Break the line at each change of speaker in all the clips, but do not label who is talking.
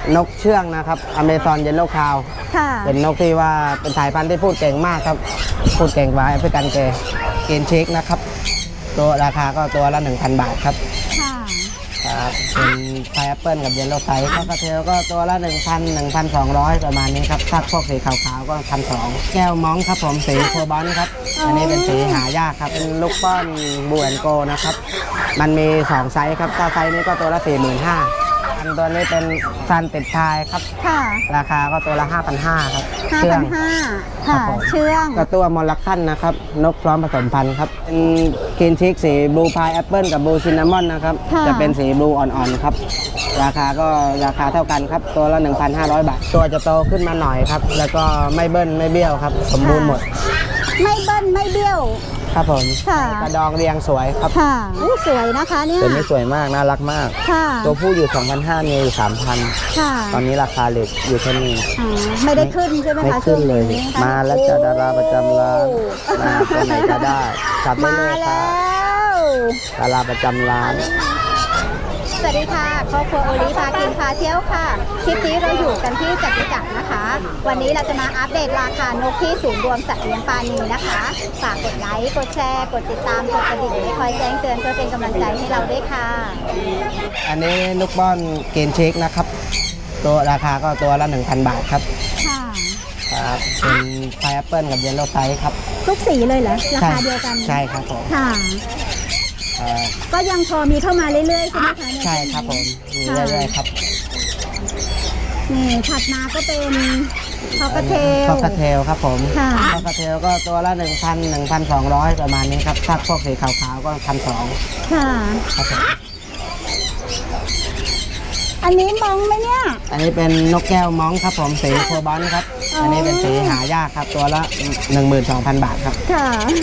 นกเชื่องนะครับอเมซอนเยลโล่คาวเป็นนกที่ว่าเป็นสายพันธุ์ที่พูดเก่งมากครับพูดเก่งกว่าแอฟริกันเกย์เกนเชคนะครับตัวราคาก็ตัวละ 1,000 บาทครับครับเป็นไพแอปเปิลกับเยลโล่ไซส์ก็กระเทลก็ตัวละ 1,200 ประมาณนี้ครับถ้าพวกสีขาวๆก็ 1,200 แก้วม้องครับผมสีโคบอลครับอันนี้เป็นสีหายากครับเป็นลูกป้อนบูแอนโกนะครับมันมี2ไซส์ครับถ้าไซส์นี้ก็ตัวละ 45,000อันตัวนี้เป็นซันติดชายครับราคาก็ตัวละ 5,500 ครับเชื่องค่ะเชื่องก็ตัวมอลลัคคันนะครับนกพร้อมผสมพันธุ์ครับเป็นกินชิกสีบลูพายแอปเปิลกับบลูซินนามอนนะครับจะเป็นสีบลูอ่อนๆครับราคาก็ราคาเท่ากันครับตัวละ 1,500 บาทตัวจะโตขึ้นมาหน่อยครับแล้วก็ไม่เบิ้ลไม่เบี้ยวครับสมบูรณ์หมด
ไม่เบิ้ลไม่เบี้ยว
ครับผมกระดองเรียงสวยครับ
ค่ะสวยนะคะเนี่ย
ตัวนี้สวยมากน่ารักมากตัวผู้อยู่ 2,500 มีอยู่ 3,000 ตอนนี้ราคาเหล็กอยู่เท่านี้
ไม่ได้ขึ้นใช่ไหมคะ
ไม่ขึ้นเลยมาแล้วจะดาราประจำร้านมาตัวไหนก็ได้จับได้เลยค่ะดาราประจำร้าน
สวัสดีค่ะครอบครัวโอลิพากินพาเที่ยวค่ะคลิปนี้เราอยู่กันที่จตุจักรนะคะวันนี้เราจะมาอัปเดตราคานกที่ศูนย์รวมสัตว์เลี้ยงปานีนะคะฝากกดไลค์กดแชร์กดติดตามกดกระดิ่งให้คอยแจ้งเตือนเพื่อเป็นกำลังใจให้เราด้วยค่ะ
อันนี้ลูกบอลเกนเช็คนะครับตัวราคาก็ตัวละ 1,000 บาทครับค่ะครับเป็นไพแอปเปิลกับเยลโล่ไซส์ครับ
ทุกสีเลยเหรอราคาเดียวกัน
ใช่ครับผม
ค่ะก็ยังพอมีเข้ามาเรื่อยๆใช่ไหมคะ
ใช่ครับผมมีเรื่อยๆครับ
นี่ถัดมาก็เป็นคอกเท
ลครับผมคอกเทลก็ตัวละ 1,200 ประมาณนี้ครับถ้าพวกสีขาวๆก็ 1,200
ค่ะ
ครับผม
อันนี้มองไหมเนี่ย
อันนี้เป็นนกแก้วม้องครับผมสีโคบอลครับอันนี้เป็นสีหายากครับตัวละ 12,000 บาทครับ
ค่ะ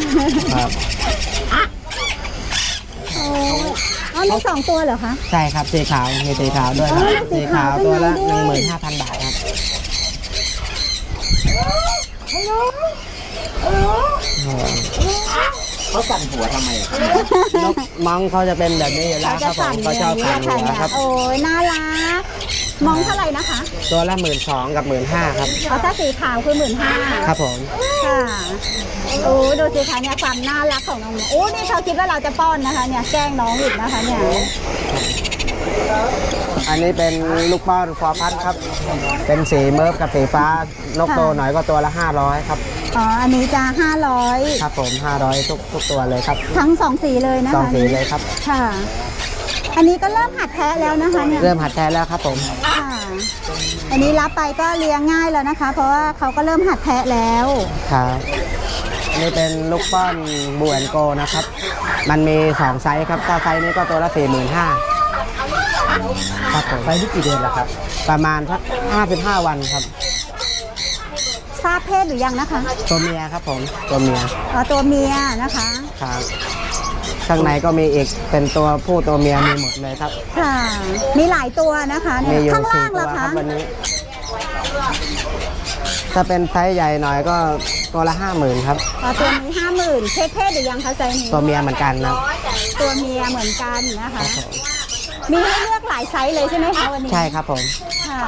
มี2 ตัวเหรอคะ
ใช่ครับสีขาวมีสีขาวด้วยครับสีขาวตัวละ 15,000 บาทครับ
เขาสั่นหัวทำไม
นกม้องเขาจะเป็นแบบนี้อยู่แล้วครับผมเขาชอบสั่นหัวครับ
โอ้ยน่ารักมองเท่าไหร่นะคะ
ตัวละ 12,000 กับ 15,000 ครับ
ถ้าสีขาวคือ 15,000
ครับผม
ค่ะโอ้ดูสิคะเนี่ยความน่ารักของน้องโอ้นี่เขาคิดว่าเราจะป้อนนะคะเนี่ยแกล้งน้องอีกนะคะเนี่ย
อันนี้เป็นลูกป้อนฟอร์พัดครับเป็นสีเมิร์ฟกับสีฟ้านกโตหน่อยก็ตัวละ 500 ครับ
อ๋ออันนี้จะ500
ครับผม500ทุกตัวเลยครับ
ทั้ง2สีเลยนะคะ
2สีเลยครับ
ค่ะอันนี้ก็เริ่มหัดแทะแล้วนะคะเนี่ย
เริ่มหัดแทะแล้วครับผม
ค่ะอันนี้รับไปก็เลี้ยงง่ายแล้วนะคะเพราะว่าเขาก็เริ่มหัดแทะแล้ว
ครับอันนี้เป็นลูกป้อนบูแอนโกนะครับมันมี2ไซส์ครับถ้าไซส์นี้ก็ตัวละ 45,000 ครับผม
ไซส์นี้กี่เดือนแล้วครับ
ประมาณสัก55 วันครับ
ทราบเพศหรือยังนะคะ
ตัวเมียครับผมตัวเมีย
ตัวเมียนะคะ
ครับข้างในก็มีอีกเป็นตัวผู้ตัวเมียมีหมดเลยครับ
ค่ะมีหลายตัวนะคะข้างล่างล่ะคะ
วันนี้ถ้าเป็นไซส์ใหญ่หน่อยก็ตัวละ 50,000 ครับ
ตัวนี้ 50,000เพศหรือยังคะไซส์นี้
ตัวเมียเหมือนกันนะ
ตัวเมียเหมือนกันนะคะมีให้เลือกหลายไซส์เลยใช่ไหมคะวันนี้
ใช่ครับผม
ค่ะ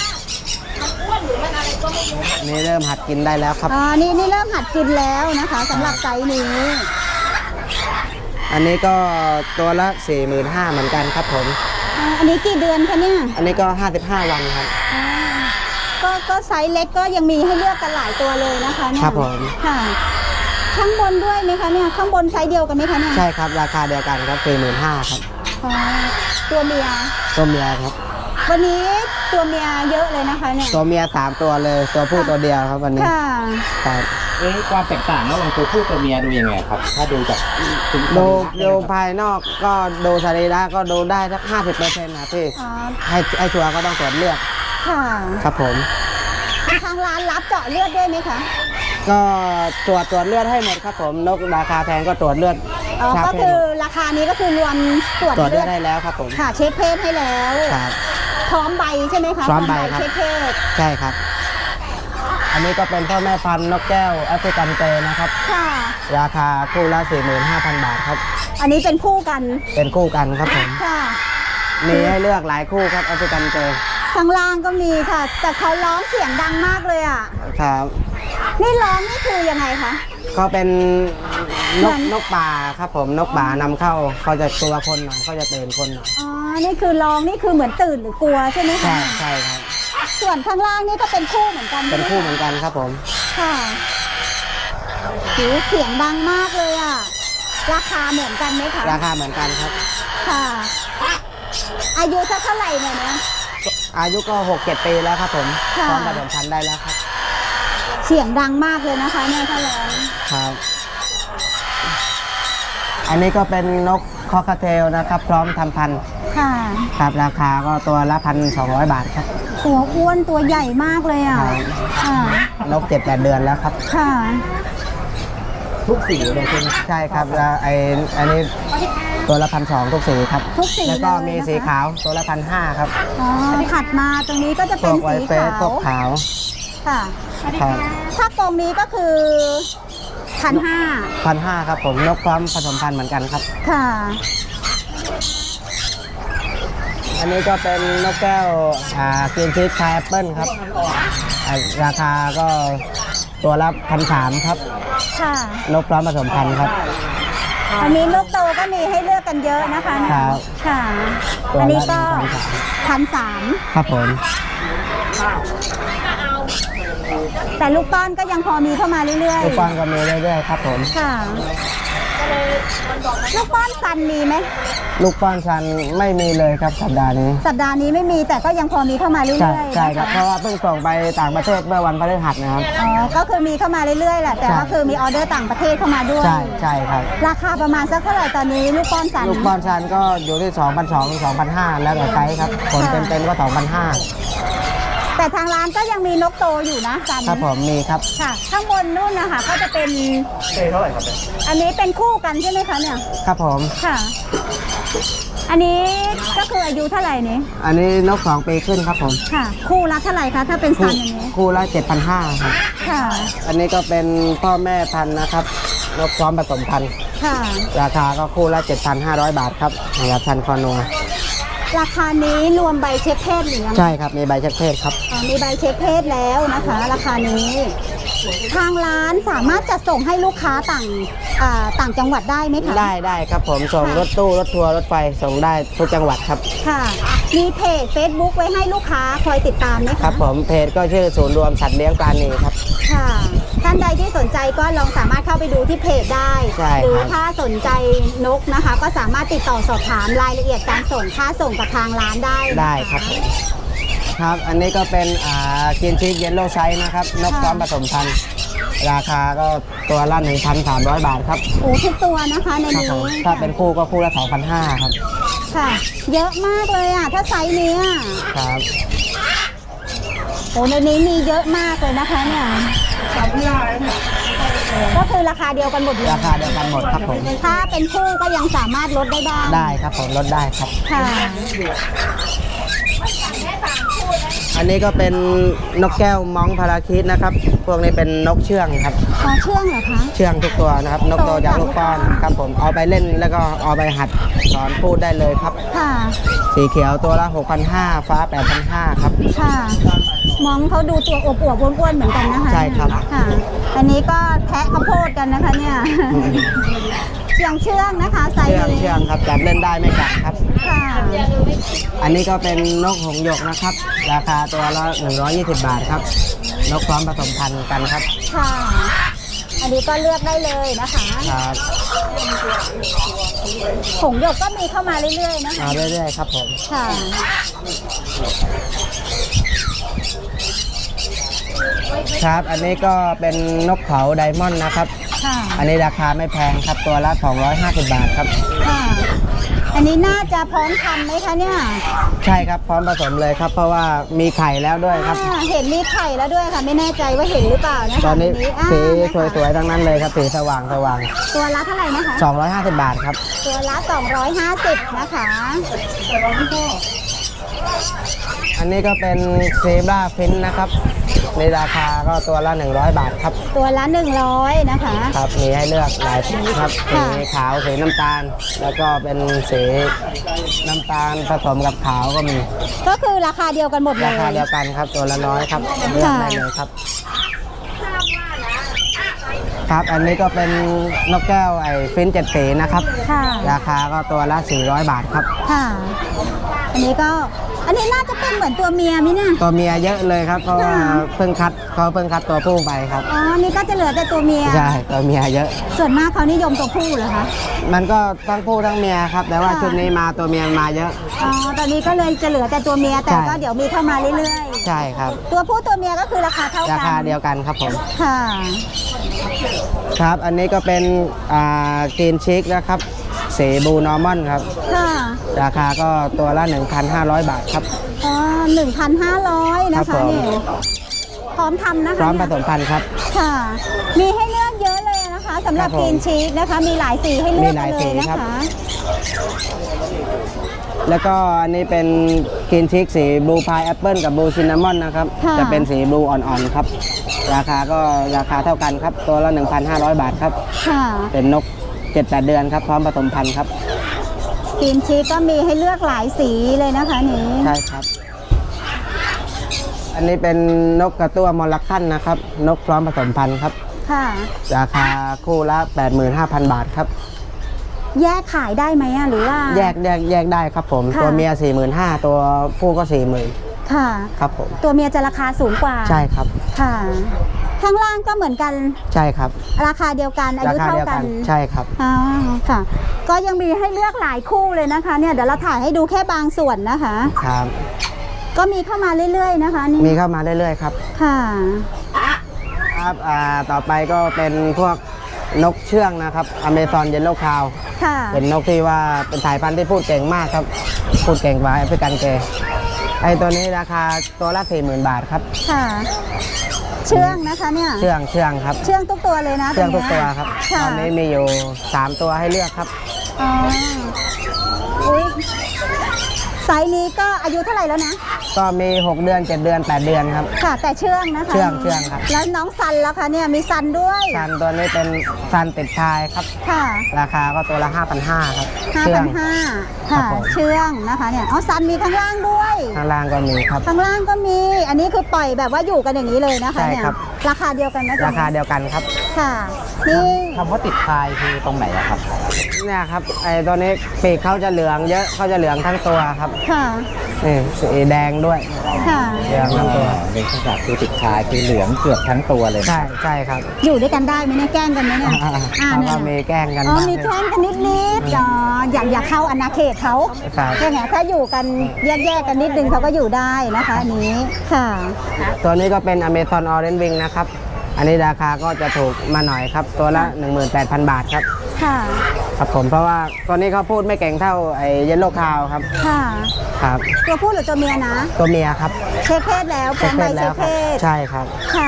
นี่เริ่มหัดกินได้แล้วครับ
นี่เริ่มหัดกินแล้วนะคะสำหรับไซส์นี้
อันนี้ก็ตัวละ 45,000 เหมือนกันครับผม
อันนี้กี่เดือนคะเนี่ย
อันนี้ก็55 วันครับ
ก็ไซส์เล็กก็ยังมีให้เลือกกันหลายตัวเลยนะคะเนี่ย
ครับผม
ค่ะข้างบนด้วยไหมคะเนี่ยข้างบนไซส์เดียวกันไหมคะเนี่ย
ใช่ครับราคาเดียวกันครับ 45,000 ครับ
ตัวเมีย
ครับ
วันนี้ตัวเมียเยอะเลยนะคะเนี่ย
ตัวเมีย3 ตัวเลยตัวผู้ตัวเดียวครับวันนี้
ค่ะ
ความแตกต่างระหว่างตัวผู้ตัวเมียดูยังไงครับถ้าดูจาก
ดูภายนอกก็ดูสรีระก็ดูได้สัก 50% นะพี่ให้ชัวร์ก็ต้องตรวจเลือด
ค่ะ
ครับผม
ทางร้านรับเจาะเลือดด้วยไหมคะ
ก็ตรวจเลือดให้หมดครับผมนกราคาแพงก็ตรวจเลือด
ก็คือราคานี้ก็คือรวมตรวจ
เลือดได้แล้วครับผม
ค่ะเช็คเพศให้แล้ว
ครับ
พร้อมใบใช่ไหมคะ
พร้อมใบครับ
เช็คเพศ
ใช่ครับอันนี้ก็เป็นพ่อแม่พันธุ์นกแก้วแอฟริกันเกย์นะครับ
ค่ะ
ราคาคู่ละ 45,000 บาทครับ
อันนี้เป็นคู่กัน
ครับผม
ค่ะ
มีให้เลือกหลายคู่ครับแอฟริกันเกย์
ข้างล่างก็มีค่ะ แต่เขาร้องเสียงดังมากเลยอ่ะ
ครับ
นี่ร้องนี่คือยังไงคะ
ก็เป็นน
เหมื
ก
อน
นกป่าครับผมนกป่านำเข้าเขาจะกลัวคนหน่อยเขาจะตื่นคนหน่อย
อ๋อ นี่คือร้องนี่คือเหมือนตื่นหรือกลัวใช่ไหมคะ
ใช่ครับ
ส่วนข้างล่างนี่ก็เป็นคู่เหมือนกัน
เป็นคู่เหมือนกันครับผม
ค่ะหูเสียงดังมากเลยอ่ะ ราคาเหมือนกันไหมคะ
ราคาเหมือนกันครับ
ค่ะ อายุสักเท่าไหร่เนี่ยนะ
อายุก็6-7 ปีแล้วครับผม
ค่ะ
พร้อมผสมพันธุ์ได้แล้วครับ
เสียงดังมากเลยนะคะเนี่ยถ้าร้อง
ครับ อันนี้ก็เป็นนกคอคาเทลนะครับ พร้อมทำพันธุ์
ค่ะ
ครับราคาก็ตัวละ1,200 บาทครับ
ตัวอ้วนตัวใหญ่มากเลยอ่ะ
ครับ
ค่ะ
นก 7-8 เดือนแล้วครับ
ค่ะ
ทุกสีเลยใช่ไหม
ใช่ครับแล้วอันนี้ตัวละ1,200ทุกสีครับ
ทุกสี
แล้วก็
เลย
มี
นะคะ
สีขาวตัวละ1,500ครับ
อ๋อ ถัดมาตรงนี้ก็จะ
พ
เป็
วน กไว
สี
เฟส
ขา
พว
ว
กขาว
ค่ะ
ครับ
ถ้ากรงนี้ก็คือ1,500
1,500ครับผมนกพร้อมผสมพันธุ์เหมือนกันครับ
ค่ะ
อันนี้ก็เป็นนกแก้วกรีนชีสไทยแอปเปิลครับราคาก็ตัวละ1,300ครับ
ค่ะ
นกพร้อมผสมพันธุ์ครับ
อันนี้นกโตก็มีให้เลือกกันเยอะนะคะเนี่ย
ครับ
ค่ะ
ตัวละ
อันนี้ก็
1,300 ครับผม
1,300แต่ลูกป้อนก็ยังพอมีเข้ามาเรื่อย
ลูกป้อนก็มีเรื่อยๆครับผม
ๆ ค่ะ ลูกป้อนซันมีไหม
ลูกป้อนชันไม่มีเลยครับสัปดาห์นี้
สัปดาห์นี้ไม่มีแต่ก็ยังพอมีเข้ามาเรื่อย
ใช่
ๆ
ใช่ครับ
นะะ
เพราะว่าเพิ่งส่งไปต่างประเทศเมื่อวันพฤหัสนะครับ
อ๋อ ก็คือมีเข้ามาเรื่อยๆแหละ แต่
ใช่
ก็คือมีออเดอร์ต่างประเทศเข้ามาด้วย
ใช่ใช่ครับ
ราคาประมาณสักเท่าไหร่ตอนนี้ลูกป้อนซัน
ลูกป้อนชันก็อยู่ที่ 2,200 ถึง 2,500 แล้วแต่ไซส์ครับผล
ค่ะ
เต็มๆก็
แต่ทางร้านก็ยังมีนกโตอยู่นะซัน
2,500 ครับผมมีครับ
ค่ะ ข้างบนนู่นนะคะก็จะเป็น
เท่าไหร่ครับ
อันนี้เป็นคู่กันใช่ไหมคะเนี่ย
ครับผม
ค่ะ อันนี้ก็คืออายุเท่าไหร่นี้
อันนี้นก 2 ปีขึ้นครับผม
ค่ะ คู่ละเท่าไหร่คะถ้าเป็นซันอย่างนี้
คู่ละ 7,500 ครับ
ค่ะ
อันนี้ก็เป็นพ่อแม่พันธุ์นะครับนกพร้อมผสมพันธุ์
ค่ะ
ราคาก็คู่ละ 7,500 บาทครับสำหรับพันธุ์คอนัว
ราคานี้รวมใบเช็คเพศหรือยัง
ใช่ครับมีใบเช็คเพศครับ
อ๋อมีใบเช็คเพศแล้วนะคะ ราคานี้ ทางร้านสามารถจะส่งให้ลูกค้าต่างจังหวัดได้ไหมคะ
ได้ครับผมส่ง
ค่ะ
รถตู้รถทัวร์รถไฟส่งได้ทุกจังหวัดครับ
ค่ะ มีเพจ Facebook ไว้ให้ลูกค้าคอยติดตามไหมคะ
ครับผมเพจก็ชื่อศูนย์รวมสัตว์เลี้ยงปลาณีครับ
ค่ะ ท่านใดที่สนใจก็ลองสามารถเข้าไปดูที่เพจได้
ใช่ครับ
หรือถ้าสนใจนกนะคะ ก็สามารถติดต่อสอบถามรายละเอียดการส่งค่าส่งกับทางร้านได้นะคะ
ได้ครับครับ อันนี้ก็เป็นกินชีสเยลโล่ไซส์นะครับนกพร้อมผสมพันธุ์ราคาก็ตัวละ 1,300 บาทครับ
โอ้ทุกตัวนะคะใน
ครับ
นี้
ผมถ้าเป็นคู่ก็คู่ละ 2,500 ครับ
ค่ะ เยอะมากเลยอ่ะ ถ้าไซส์นี้อ่ะ
ครับ
โอ้ในนี้มีเยอะมากเลยนะคะเนี่ยก็คือราคาเดียวกันหมดเลย
ราคาเดียวกันหมดครับผม
ถ้าเป็นคู่ก็ยังสามารถลดได้บ้าง
ได้ครับผมลดได้ครับ
ค่ะ
อันนี้ก็เป็นนกแก้วม้องพาราคิดนะครับ พวกนี้เป็นนกเชื่องครับ
อ๋อเชื่องเหรอคะ
เชื่องทุกตัวนะครับ นกโตจากลูกป้อนครับผมเอาไปเล่นแล้วก็เอาไปหัดสอนพูดได้เลยครับ
ค่ะ
สีเขียวตัวละ 6,500 ฟ้า 8,500 ครับ
ค่ะ มองเขาดูตัวอวบๆอ้วนๆเหมือนกันนะคะ
ใช่ครับ
ค่ะ อันนี้ก็แทะข้าวโพดกันนะคะเนี่ยเชื่องนะคะไซส์
เชื่อง
นี้
เชื่องครับจับเล่นได้ไม่กัดครับ
ค่ะ
อันนี้ก็เป็นนกหงส์หยกนะครับ ราคาตัวละ 120 บาทครับ นกพร้อมผสมพันธุ์กันครับ
ค่ะ อันนี้ก็เลือกได้เลยนะคะ
ครับ
ผงหยกก็มีเข้ามาเรื่อยๆนะคะ
มาเรื่อยๆครับผม
ค่ะ
ครับ อันนี้ก็เป็นนกเขาไดมอนด์นะครับ
ค่ะ
อันนี้ราคาไม่แพงครับตัวละ 250 บาทครับ
ค่ะ อันนี้น่าจะพร้อมทำไหมคะเนี่ย
ใช่ครับพร้อมผสมเลยครับ เพราะว่ามีไข่แล้วด้วยครับ
เห็นมีไข่แล้วด้วยค่ะ ไม่แน่ใจว่าเห็นหรือเปล่านะคะ
ตอนนี้
อ่า
สี
นะคะ
สวยๆทั้งนั้นเลยครับสีสว่าง
ตัวละเท่าไหร่นะคะ
250 บาทครับ
ตัวละ250นะคะ
อันนี้ก็เป็นเซบราฟินนะครับในราคาก็ตัวละ100 บาทครับ
ตัวละ100นะคะ
ครับมีให้เลือกหลายสีครับสี
ค่ะ
ขาวสีน้ำตาล แล้วก็เป็นสีน้ำตาลผสมกับขาวก็มี
ก็คือราคาเดียวกันหมดเลย
ราคาเดียวกันครับตัวละน้อยครับเลือกได้เลยครับ ครับอันนี้ก็เป็นนกแก้วฟิน7 สีนะครับ
ค่ะ
ราคาก็ตัวละ400 บาทครับ
ค่ะ อันนี้น่าจะเป็นเหมือนตัวเมียมิเนี่ย
ตัวเมียเยอะเลยครับเพราะว่า
ค่ะ
เพิ่งคัดตัวผู้ไปครับ
อ๋อ นี่ก็จะเหลือแต่ตัวเมีย
ใช่ตัวเมียเยอะ
ส่วนมากเขานิยมตัวผู้เหรอคะ
มันก็ทั้งผู้ทั้งเมียครับ แต่ว่า
ค่ะ
ชุดนี้มาตัวเมียมาเยอะ
อ๋อ ตอนนี้ก็เลยจะเหลือแต่ตัวเมีย แต่
ใช่
ก็เดี๋ยวมีเข้ามาเรื่อย
ใช่ครับ
ๆ ตัวผู้ตัวเมียก็คือราคาเท่ากัน
ราคาเดียวกันครับผม
ค่ะ
ครับอันนี้ก็เป็นกรีนชิคนะครับสีบลูนอร์มอนครับ
ค่ะ
ราคาก็ตัวละ 1,500 บาทครับ
อ๋อ 1,500 นะ
ครั
คะ
บผม
นี่พร้อมทำนะคะ
พร้อมผ
เนี่ย
สมพันธุ์ครับ
ค่ะ มีให้เลือกเยอะเลยนะคะสำหรับ
ครับผม
กรีนชีสนะคะ มีหลายสีให้เลือก
มีห
กั
ลาน ย
เล
สี
ยนะ
ครั
คะ
บ แล้วก็อันนี้เป็นกรีนชิคสีบลูพายแอปเปิลกับบลูซินนามอนนะครับ
ะ
จะเป็นสีบลูอ่อนๆครับ ราคาก็ราคาเท่ากันครับ ตัวละ 1,500 บาทครับ
ค่ะ
เป็นนก 7-8 เดือนครับ พร้อมผสมพันธุ์ครับ
กรีนชีสก็มีให้เลือกหลายสีเลยนะคะนี่
ใช่ครับ อันนี้เป็นนกกระตั้วมอลลัคคันนะครับ นกพร้อมผสมพันธุ์ครับ
ค่ะ
ราคาคู่ละ 85,000 บาทครับ
แยกขายได้ไหมอะหรือว่า
แยกได้ครับผม
ค่ะ
ตัวเมีย 45,000 ตัวผู้ก็ 40,000
ค่ะ
ครับผม
ตัวเมียจะราคาสูงกว่า
ใช่ครับ
ค่ะ ข้างล่างก็เหมือนกัน
ใช่ครับ
ราคาเดียวกันอา
รา
ยุ
คา
เท่า
เดียว
กั
กัน นใช่ครับ
อ๋อค่ะ ก็ยังมีให้เลือกหลายคู่เลยนะคะ เนี่ยเดี๋ยวเราถ่ายให้ดูแค่บางส่วนนะคะ
ครับ
ก็มีเข้ามาเรื่อยๆนะคะนี่
มีเข้ามาเรื่อยๆครับ
ค่ะ
ครับต่อไปก็เป็นพวกนกเชื่องนะครับอเมซอนเยลโล่คาว
ค่ะ
เป็นนกที่ว่าเป็นสายพันธุ์ที่พูดเก่งมากครับ พูดเก่งกว่าแอฟริกันเกย์ไอตัวนี้ราคาตัวละ 40,000 บาทครับ
ค่ะ เชื่องนะคะเนี่ย
เชื่องครับ
เชื่องทุกตัวเลยนะ
เชื่องทุก
นี้
ตัวครับ
ค่ะ
ตอนนี้มีอยู่ 3 ตัวให้เลือกครับ
อ๋ออุ้ยไซส์นี้ก็อายุเท่าไหร่แล้วนะ
ก็มี 6 เดือน 7 เดือน 8 เดือนครับ
ค่ะ แต่เชื่องนะคะ
เชื่องครับ
แล้วน้องซันแล้วคะเนี่ยมีซันด้วย
ซันตัวนี้เป็นซันติดชายครับ
ค่ะ
ราคาก็ตัวละ 5,500 ครับ เชื่อง
5,500
ครั
ค่ะ
บผม
เชื่องนะคะเนี่ยอ๋อซันมีข้างล่างด้วย
ข้างล่างก็มีครับ
ข้างล่างก็มี อันนี้คือปล่อยแบบว่าอยู่กันอย่างนี้เลยนะคะ
ใช่
เนี่ย
ครับ
ราคาเดียวกันไหมจ๊ะ
ราคาเดียวกันครับ
ค่ะ นี่
คำว่าติดพายคือตรงไหนอะครับ
เนี่ยครับไอตัวนี้ปีกเขาจะเหลืองเยอะเขาจะเหลืองทั้งตัวครับ
ค่ะ
นี่สีแดงด้วย
ค่ะ
เหลืองทั้งตัว
เป็นขนาดคือติดพายคือเหลืองเกือบทั้งตัวเลย
ใช่ครับ
อยู่ด้วยกันได้ไหมเนี่ยแกล้งกันไหมเนี่ย
เขาก็มีแกล้งกัน
อ๋อ
บ้าง
มีแกล้งกันนิดๆอ๋ออยากเข้าอาณาเขตเขา
ครับ
ใช่ไหมถ้าอยู่กันแยกๆกันนิดนึงเขาก็อยู่ได้นะคะอันนี้ค่ะ
ตัวนี้ก็เป็นอเมซอนออเรนจ์วิงนะครับ อันนี้ราคาก็จะถูกมาหน่อยครับ ตัวละ 18,000 บาทครับ
ค่ะ
ครับผมเพราะว่าตัวนี้เขาพูดไม่เก่งเท่าไอ้เยลโล่คาวครับ
ค่ะ
ครับ
ตัวผู้หรือตัวเมียนะ
ตัวเมียครับ
เช็คเพศแล้วพร้อมใบเช็ค
ค
เพ
รั
ศ
ใช่ครับ
ค่ะ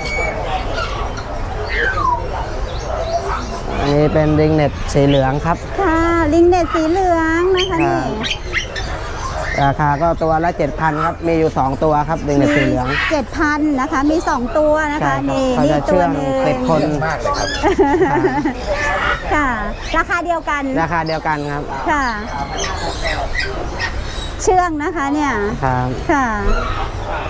อันนี้เป็นริงเน็ตสีเหลืองครับ
ค่ะ ลิงเน็ตสีเหลืองนะคะนี่
ราคาก็ตัวละ 7,000 ครับ มีอยู่ 2 ตัวครับริงเน็ตสีเหลือง
7,000นะคะ มี 2 ตัวนะ
ใช่
คะ
ครับ
นี่
เขา
นี่
จะ
ตั
เชื่
ว
อง
หนึง
ติดคน
มากเลยครับ
ค่ะ ราคาเดียวกัน
ราคาเดียวกันครับ
ค่ะ เชื่องนะคะเนี่ย
ครับ
ค่ะ
ไป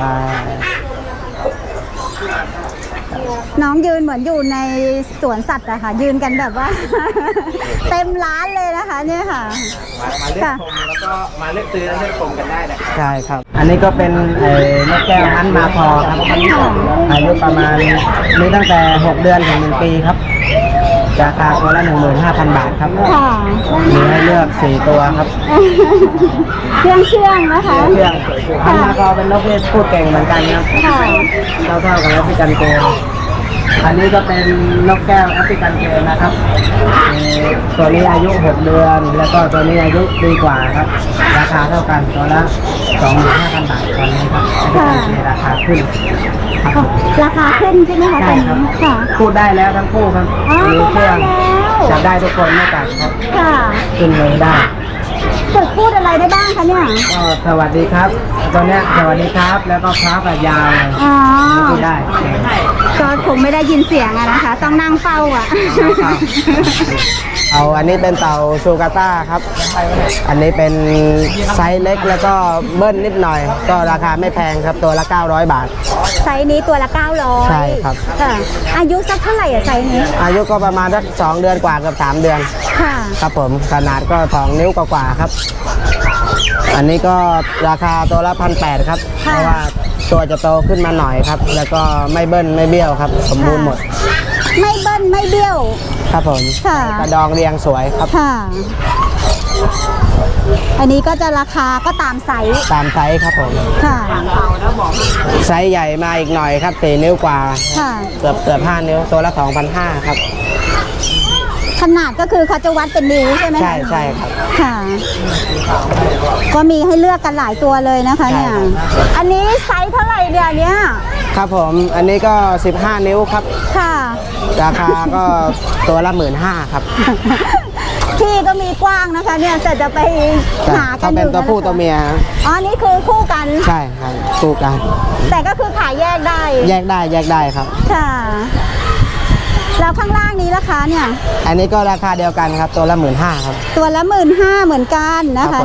น้องยืนเหมือนอยู่ในสวนสัตว์อะค่ะ ยืนกันแบบว่า เต็มร้านเลยนะคะเนี่ยค่ะ
มาเลือกชมแล้วก็มาเลือกซื้อและเลือกชมกันได้นะครับ
ใช่ครับ อันนี้ก็เป็นนกแก้วฮันมาพอครับ อายุประมาณมีตั้งแต่ 6 เดือนถึง 1 ปีครับ ราคาตัวละ 15,000 บาทครับ
ค่ะ
มีให้เลือก 4 ตัวครับ
เชื่องนะคะ
เรื่องฮันมาพอเป็นนกที่พูดเก่งเหมือนกันครับ
ค่ะ
เท่าๆกับแอฟริกันเกย์อันนี้ก็เป็นนกแก้วแอฟริกันเกย์นะครับตัวนี้อายุ 6 เดือน แล้วก็ตัวนี้อายุปีกว่าครับ ราคาเท่ากันตัวละ 25,000 บาทตอนนี้ครับแอฟริกันเกย์ราคาขึ้นครับ
ราคาขึ้นใช่ไหมคะต
ใช่
อน
ครับ
นี้ค่ะ
พูดได้แล้วทั้งคู่ครับ
อ๋อ
มีเครื่อง
พูดได้แล้ว
จับได้ทุกคนไม่กัดครับ
ค่ะ
ขึ้นเลยได้
ฝึกพูดอะไรได้บ้างคะเนี่ย
ก็สวัสดีครับตัวเนี้ยสวัสดีครับแล้วก็ครับแบบยาวเลย
อ๋อ
พูดได้
ก็คงไม่ได้ยินเสียงอะนะคะ ต้องนั่งเฝ้าอะ
เอาอันนี้เป็นเต่าชูกาต้าครับ อันนี้เป็นไซส์เล็กแล้วก็เบิ้ลนิดหน่อย ก็ราคาไม่แพงครับตัวละ900 บาท
ไซส์นี้ตัวละ900
ใช่ครับ
ค่ะอายุสักเท่าไหร่อะไซส์นี้
อายุก็ประมาณสัก2 เดือนกว่าเกือบ3 เดือน
ค่ะ
ครับผมขนาดก็2 นิ้วกว่าๆครับ อันนี้ก็ราคาตัวละ1,800ครับ เพราะว่าตัวจะโตขึ้นมาหน่อยครับ แล้วก็ไม่เบิ้ลไม่เบี้ยวครับ สมบูรณ์หมด
ไม่เบิ้ลไม่เบี้ยว
ครับผม
ค่ะ
กระดองเรียงสวยครับ
ค่ะ อันนี้ก็จะราคาก็ตามไซส์
ตามไซส์ครับผม
ค่ะ
ไซส์ใหญ่มาอีกหน่อยครับ4 นิ้วกว่า
ค่ะ
เกือบ5 นิ้วตัวละ2,500ครับ
ขนาดก็คือเขาจะวัดเป็นนิ้วใช่ไหมคะ
ใช่ครับ
ค่ะ ก็มีให้เลือกกันหลายตัวเลยนะคะเนี่ย
ใช่ครับ
อันนี้ไซส์เท่าไหร่เดี๋ยวเนี้ย
ครับผมอันนี้ก็15 นิ้วครับ
ค่ะ
ราคาก็ตัวละ15,000ครับ
ที่ก็มีกว้างนะคะเนี่ยแต่จะไปหากั
ถ้าน
อ
เป็น
ยู่
ตัวผู้ตัวเมีย
อ๋อนี่คือคู่กัน
ใช่ครับคู่กัน
แต่ก็คือขายแยกได้
แยกได้ครับ
ค่ะ แล้วข้างล่างนี้ราคาเนี่ย
อันนี้ก็ราคาเดียวกันครับตัวละ15,000ครับ
ตัวละ15,000เหมือนกันนะ
ครั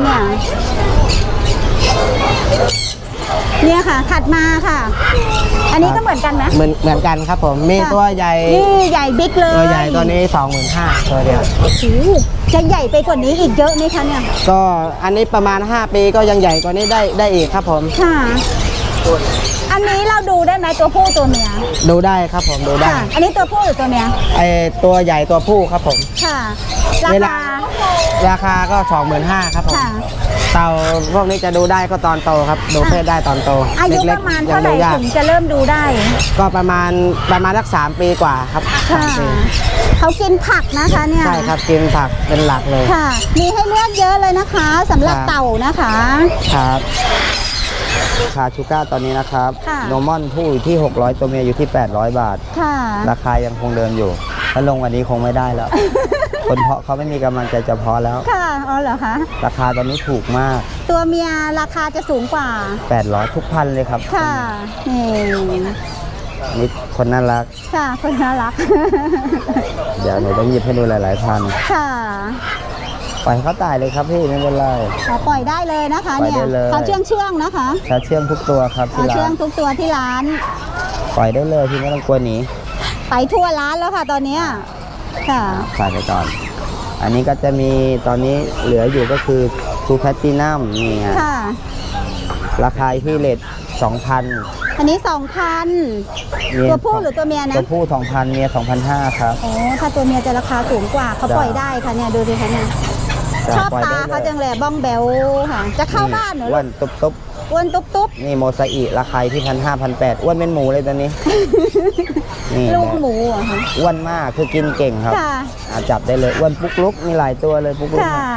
คะ
บผม
เนี่ยค่ะ ถัดมาค่ะ อันนี้ก็เหมือนกันไหม
เหมือนกันครับผมมีตัวใหญ่
นี่ใหญ่บิ๊กเลย
ตัวใหญ่ตัวนี้ 25,000ตัวเดียว
โอ้โหจะใหญ่ไปกว่านี้อีกเยอะไหมคะเนี่ย
ก็อันนี้ประมาณ5 ปีก็ยังใหญ่กว่านี้ได้อีกครับผม
ค่ะ อันนี้เราดูได้ไหมตัวผู้ตัวเมีย
ดูได้ครับผมดูได้
ค่ะ อันนี้ตัวผู้หรือตัวเมีย
ไอตัวใหญ่ตัวผู้ครับผม
ค่ะ รา
เวลา
คา
ราคาก็ 25,000ครับผม
ค่ะ
เต่าพวกนี้จะดูได้ก็ตอนโตครับดูเพศได้ตอนโต
อายุป
เล็ก
ระมาณ
ๆยั
เท่าง ไหร่
ดูยาก
ถึงจะเริ่มดูได้
ก็ประมาณสัก3 ปีกว่าครับ
ค่ะ
3 ปี
เขากินผักนะคะเนี่ย
ใช่ครับกินผักเป็นหลักเลย
ค่ะ มีให้เลือกเยอะเลยนะคะสำหรับ
ครับ
เต่านะคะ
ครับราคาชูก้าตอนนี้นะครับ
ค่ะ
โนมอนผู้อยู่ที่600ตัวเมียอยู่ที่800 บาท
ค่ะ
ราคายังคงเดิมอยู่ ถ้าลงวันนี้คงไม่ได้แล้ว คนเพาะเขาไม่มีกำลังใจจะเพาะแล้ว
ค่ะอ๋อเหรอคะ
ราคาตอนนี้ถูกมาก
ตัวเมียราคาจะสูงกว่า
800ทุกพันเลยครับ
ค่ะ นี่
นี่คนน่ารัก
ค่ะคนน่ารัก
เดี๋ยวหนูต้องหยิบให้ดูหลาย ๆ พัน
ค่ะ
ปล่อยเขาตายเลยครับพี่ไม่เป็นไร
ขอปล่อยได้เลยนะคะ
ปล่อย
เนี่ย
ได้เลย
เขาเชื่องนะคะ
ชาเชื่องทุกตัวครับที่
เขาเชื่
ร้า
อง
น
ทุกตัวที่ร้าน
ปล่อยได้เลยพี่ไม่ต้องกลัวหนี
ไปทั่วร้านแล้วค่ะตอนเนี้ยค่ะ
ขายไปก่อน อันนี้ก็จะมีตอนนี้เหลืออยู่ก็คือทูแพตตินัมนี่ไง
ค่ะ
ราคาที่เลท2,000
อันนี้2,000 ตัวผู้หรือตัวเมียนะ
ตัวผู้ 2,000 เมีย 2,500 ครับ
โอ้ถ้าตัวเมียจะราคาสูงกว่าเขาปล่อยได้ค่ะเนี่ยดูดิคะเนี่ยชอบ
ปล่ย
ตา
ได้
เขาจังเลยบ้องแบวค่ะ จะเข้าบ้านเหรอ
อ้วนตุ๊บ
อ้วนตุ๊บ
ๆนี่โมซาอิราคาที่1,500 1,800อ้วนเป็นหมูเลยตอนนี้ นี่
ๆลูกหมูเหรอคะ
อ้วนมากคือกินเก่งครับ
ค่ะ
จับได้เลยอ้วนปุ๊กลุกมีหลายตัวเลยปุ๊กลุก
ค่ะ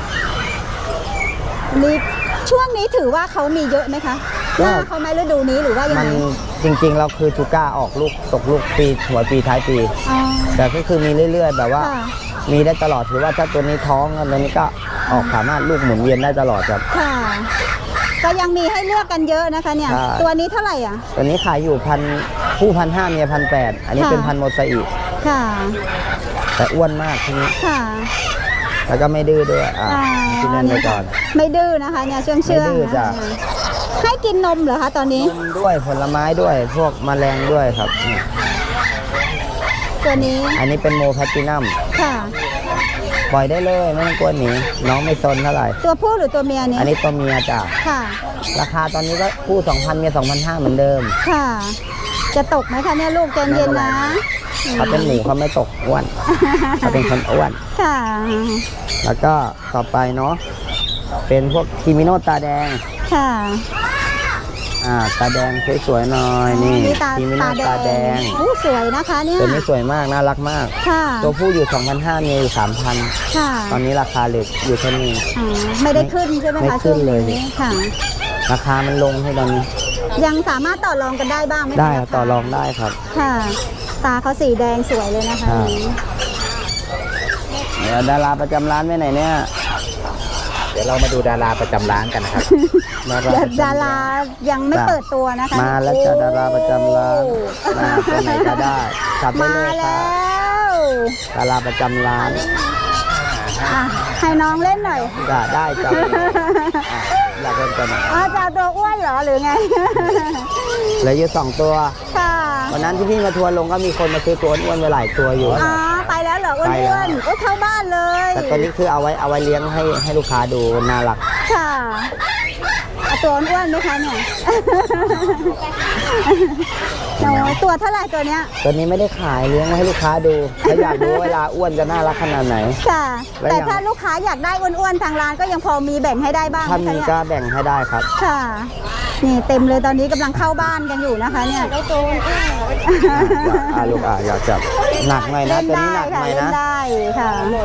นี่ช่วงนี้ถือว่าเขามีเยอะไหมคะหน้าเขาไหมฤดูนี้หรือว่ายัง
มัน
ไง
จริงๆเราคือชูก้าออกลูกตกลูกปีหัวปีท้ายปี
อ๋อ
แต่ก็คือมีเรื่อยๆ แบบว่า
ค่ะ
มีได้ตลอดถือว่าถ้าตัวนี้ท้องตัวนี้ก็ออกสามารถลูกหมุนเวียนได้ตลอดครับ
ค่ะ ก็ยังมีให้เลือกกันเยอะนะคะเนี่ย
ใช่
ตัวนี้เท่าไหร่อ่ะ
ตัวนี้ขายอยู่ผู้1,500เมีย1,800อันนี้เป็น
ค่ะ
พันโมซาอิ
ค่ะ
แต่อ้วนมากทีนี้
ค่ะ
แล้วก็ไม่ดื้อด้วยกินเล่นไปก่อน
ไม่ดื้อนะคะเนี่ยเชื่อง
ไม่ดื้อ
ๆ
จ้ะ
นะคะให้กินนมเหรอคะตอนนี้
ด้วยผลไม้ด้วยพวกแมลงด้วยครับนี่
ตัวนี้
อันนี้เป็นโมแพตตินัม
ค่ะ
ปล่อยได้เลยไม่ต้องกลัวหนีน้องไม่ซนเท่าไหร่
ตัวผู้หรือตัวเมียเนี่ย
อันนี้ตัวเมียจ้ะ
ค่ะ
ราคาตอนนี้ก็ผู้ 2,000เมีย2,500เหมือนเดิม
ค่ะ จะตกไหมคะเนี่ยลูกใจเย็นนะ
เขาเป็นหมูเขาไม่ตกอ้วนเขาเป็นคนอ้วน
ค่ะ
แล้วก็ต่อไปเนาะเป็นพวกคิมิโนตาแดง
ค่ะ
ตาแดงสวยๆหน่อยนี่
ตา
คิมิโนตาแดง
อู้สวยนะคะเนี่ย
ตัวนี้สวยมากน่ารักมาก
ค่ะ
ตัวผู้อยู่ 2,500เมียอยู่ 3,000
ค่ะ
ตอนนี้ราคาเหล็กอยู่เท่านี้
อ๋อไม่ได้ขึ้นใช่ไหม
ไม่
คะ
ขึ้นเลย
ช่วงนี้ค่ะ
ราคามันลงให้ตอนนี้
ยังสามารถต่อรองกันได้บ้างไหมคะ
ได้
ราคา
ต่อรองได้ครับ
ค่ะ ตาเขาสีแดงสวยเลยนะคะ
เดี๋ยวดาราประจำร้านไปไหนเนี่ย
เดี๋ยวเรามาดูดาราประจำร้านกันนะครับ
ดารายังไม่เปิดตัวนะคะ
มาแล้วจ้ะดาราประจำร้านมาตัวไหนก็ได้ขับได้
มา
เลยค
แล้
รับ
ว
ดาราประจำร้าน
อ่ะให้น้องเล่นหน่อย
ได้จ้ะอยากเล่นตัวไหน
อ๋อจะเอาตัวอ้วนเหรอหรือไง
เหลืออยู่2 ตัว
ค่ะ
วันนั้นที่พี่มาทัวร์ลงก็มีคนมาซื้อตัวอ้วนๆไปหลายตัวอยู่
อ๋อไปแล้วเหรออ้
ไปแล้ว
วนๆก็เข้าบ้านเลย
แต่ตัวนี้คือเอาไว้เลี้ยงให้ลูกค้าดูน่ารัก
ค่ะเอาตัวอ้วนๆไหมคะเนี่ย โอ้ยตัวเท่าไหร่ตัวเนี้ย
ตัวนี้ไม่ได้ขายเลี้ยงไว้ให้ลูกค้าดูถ้าอยากดูเวลาอ้วนจะน่ารักขนาดไหน
ค่ะ
แล้ว
แต่
ยัง
ถ้าลูกค้าอยากได้อ้วนๆทางร้านก็ยังพอมีแบ่งให้ได้บ้าง
ถ้า
ไหม
มี
คะ
ก็
เนี่ย
แบ่งให้ได้ครับ
ค่ะ นี่เต็มเลยตอนนี้กำลังเข้าบ้านกันอยู่นะคะเนี่ย
ลูกอยากจับหนักหน่อยนะ
เล่น
ตัวนี้
ได้
หนักห
ค่ะ
น่อย
เล่น
นะ
ได้ค่ะ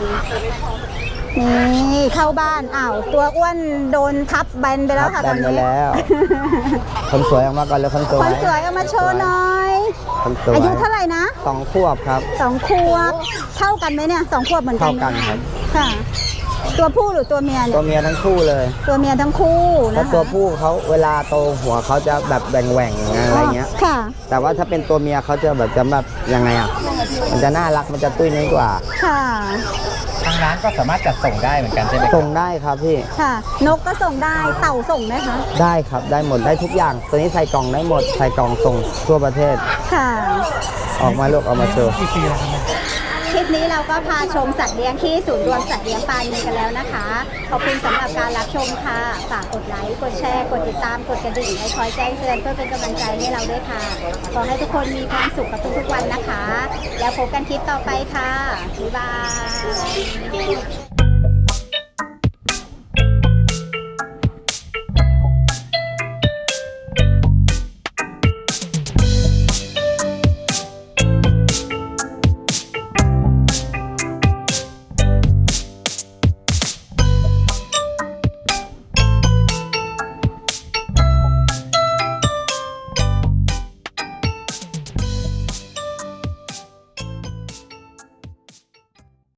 นี่เข้าบ้านอ้าวตัวอ้วนโดนทับแบนไปแล้วค่ะ
แบ
ตอน น
ไป
นี้
แล้ว คนสวยออกมาก่อนเลยคนสว
คน
ย
สวยเอามาโชว์หน่อย
คนสวย
อายุเท่าไหร่นะ
2 ขวบครับ
2 ขวบเท่ากันไหมเนี่ย2 ขวบเหมือนกัน
เท่ากันครับ
ค่ะ ตัวผู้หรือตัวเมีย
ตั
เนี่
วย เมียทั้งคู่เลย
ตัวเมียทั้งคู่
แล้
นะ
ว
คะ
ตัวผู้เขาเวลาโตหัวเขาจะแบบแหว่งๆอะไรเงี้ย
ค่ะ
แต่ว่าถ้าเป็นตัวเมียเขาจะแบบยังไงอ่ะ มันจะน่ารักมันจะตุ้ยน้อยกว่า
ค่ะ
ทางร้านก็สามารถจัดส่งได้เหมือนกันใช่ไหมครับ
ส่งได้ครับพี่
ค่ะ นกก็ส่งได้เต่าส่งไหมคะ
ได้ครับได้หมดได้ทุกอย่าง ตัวนี้ใส่กล่องได้หมดใส่กล่องส่งทั่วประเทศ
ค่ะ
ออกมาลูกเอามาโชว์
คลิปนี้เราก็พาชมสัตว์เลี้ยงที่ศูนย์รวมสัตว์เลี้ยงปานีกันแล้วนะคะ ขอบคุณสำหรับการรับชมค่ะ ฝากกดไลค์ กดแชร์ กดติดตาม กดกระดิ่งให้คอยแจ้งเตือนเพื่อเป็นกำลังใจให้เราด้วยค่ะ ขอให้ทุกคนมีความสุขกับทุกๆวันนะคะ แล้วพบกันคลิปต่อไปค่ะ บ๊ายบาย